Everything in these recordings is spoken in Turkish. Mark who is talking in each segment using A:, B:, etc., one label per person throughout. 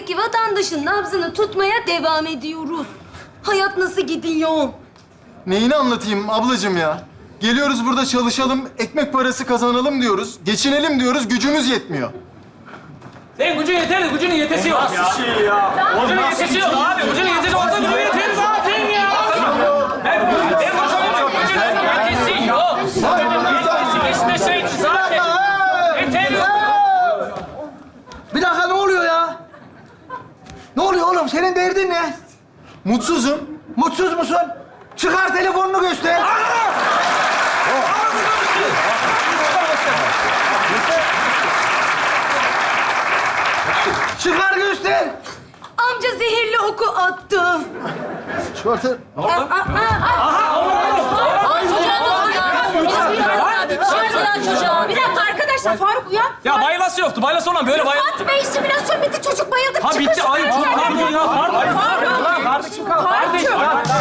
A: Peki vatandaşın nabzını tutmaya devam ediyoruz. Hayat nasıl gidiyor?
B: Neyini anlatayım ablacığım ya? Geliyoruz burada çalışalım, ekmek parası kazanalım diyoruz. Geçinelim diyoruz, gücümüz yetmiyor.
C: Senin gücün yeter, gücünün yetesi yok ya.
D: Nasıl şey ya?
C: Gücünün yetesi yok abi. Gücünün yetesi olsa gücünün yeteri zaten ya. Ben gücünün yetesi yok. İşte şey zaten. Yeter yok.
E: Bir dakika ne oluyor ya? Ne oluyor oğlum? Senin derdin ne?
B: Mutsuzum.
E: Mutsuz musun? Çıkar telefonunu göster. Çıkar göster.
A: Amca zehirli oku attı.
B: Çıkartın.
A: Bir dakika arkadaşlar, Faruk uyan.
C: Ya baylası yoktu. Baylası olan böyle bayıldı.
A: Fatih Bey, simülasyon bitti. Çocuk bayıldı.
C: Ha bitti. Ay çok pardon ya. Pardon.
E: Kardeşim kal. Kardeşim.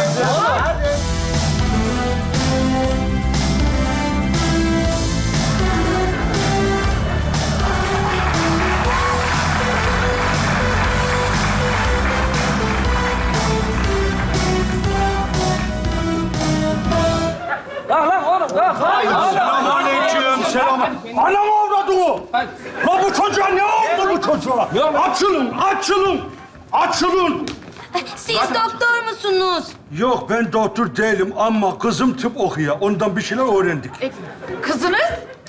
C: Lan oğlum.
D: Selamünaleyküm, selam. Anam avradı o. La bu çocuğa ne oldu bu çocuğa? Açılın, açılın, açılın.
A: Siz doktor musunuz?
D: Yok ben doktor değilim ama kızım tıp okuyor. Ondan bir şeyler öğrendik.
A: Kızınız?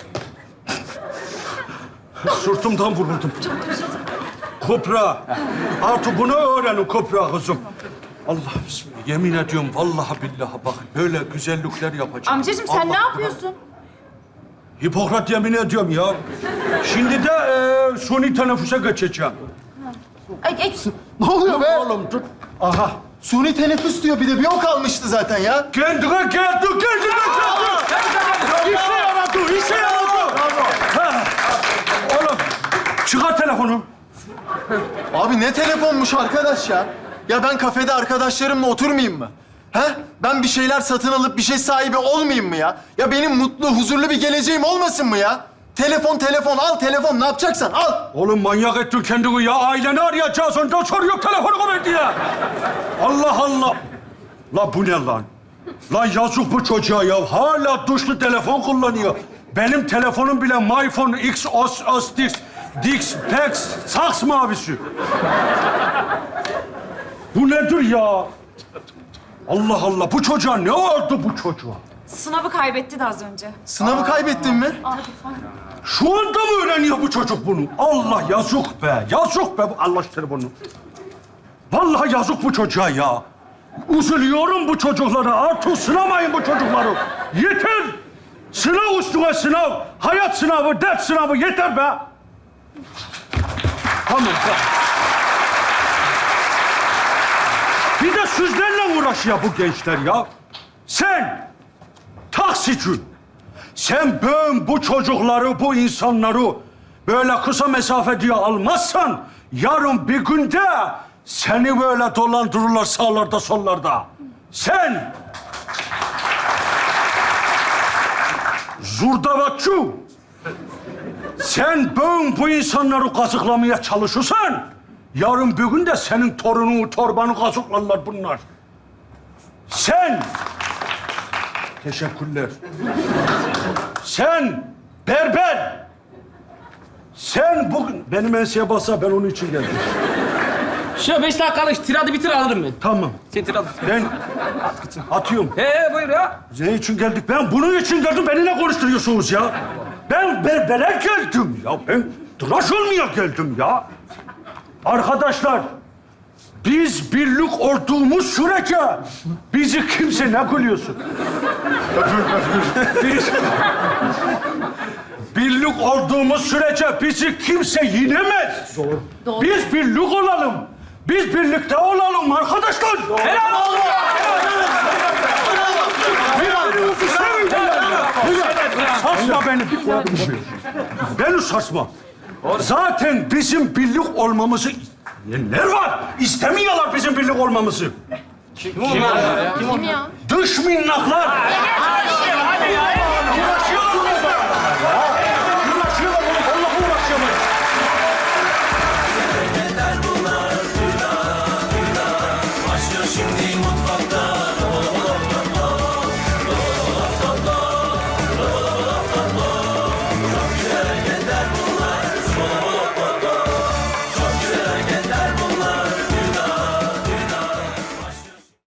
D: Sırtımdan vuruldum. Kopra. Artık bunu öğrenin Kopra kızım. Allah bismillah. Yemin ediyorum vallahi billahi bak böyle güzellikler yapacağım.
F: Amcacığım sen ne yapıyorsun?
D: Hipokrat yemin ediyorum ya. Şimdi de suni teneffüse geçeceğim.
B: Ne oluyor be?
D: Oğlum dur. Aha.
B: Suni teneffüs diyor, bir de bir o kalmıştı zaten ya.
D: Kendine geldi. İşe yaradı, işe yaradı. Ha. Oğlum çıkar telefonu.
B: Abi ne telefonmuş arkadaş ya? Ya ben kafede arkadaşlarımla oturmayayım mı? He? Ben bir şeyler satın alıp bir şey sahibi olmayayım mı ya? Ya benim mutlu, huzurlu bir geleceğim olmasın mı ya? Telefon, al telefon. Ne yapacaksan al.
D: Oğlum manyak ettin kendini ya. Aileni arayacağız. Ondan soruyor telefonu ver diye. Allah Allah. La bu ne lan? Lan yazık bu çocuğa ya. Hala tuşlu telefon kullanıyor. Benim telefonum bile MyPhone X, OS, Dix, Pex, Saks mavisi. Bu nedir ya? Allah Allah. Bu çocuğa ne oldu bu çocuğa?
F: Sınavı kaybetti de az önce.
B: Sınavı kaybettin mi?
D: Şu anda mı öğreniyor bu çocuk bunu? Allah yazık be. Yazık be. Allah aşkına bunu. Vallahi yazık bu çocuğa ya. Üzülüyorum bu çocuklara. Artık sınamayın bu çocukları. Yeter. Sınav üstüne sınav. Hayat sınavı, ders sınavı yeter be. Tamam. Bir de sizlerle uğraşıyor bu gençler ya. Sen taksici. Sen bu çocukları, bu insanları böyle kısa mesafe diye almazsan yarın bir günde seni böyle dolandırırlar sağlarda sollarda. Sen zurdavatçı. Sen bu insanları kazıklamaya çalışırsan yarın bir gün de senin torununu, torbanı kazıklarlar bunlar. Sen teşekkürler. Sen berber. Sen bugün benim enseye bassa ben onun için geldim.
C: Şu 5 dakikalık tiradı bitir alırım ben.
D: Tamam.
C: Sen tiradı.
D: Ben atıyorum.
C: Buyur ya.
D: Ne için geldik? Ben bunun için geldim. Beni ne konuşturuyorsunuz ya? Ben berbere geldim ya. Ben tıraş olmaya geldim ya. Arkadaşlar, biz birlik olduğumuz sürece bizi kimse ne gülüyorsun? Biz birlik olduğumuz sürece bizi kimse yenemez. Doğru. Biz birlik olalım. Biz birlikte olalım arkadaşlar.
C: Helal olsun.
D: Birbirimizi sevin. Sarsma beni. Beni sarsma. Zaten bizim birlik olmamızı... Neler var? İstemiyorlar bizim birlik olmamızı.
C: Kim onlar ya?
F: Kim ya?
D: Dış minnaklar.
C: Hadi ya.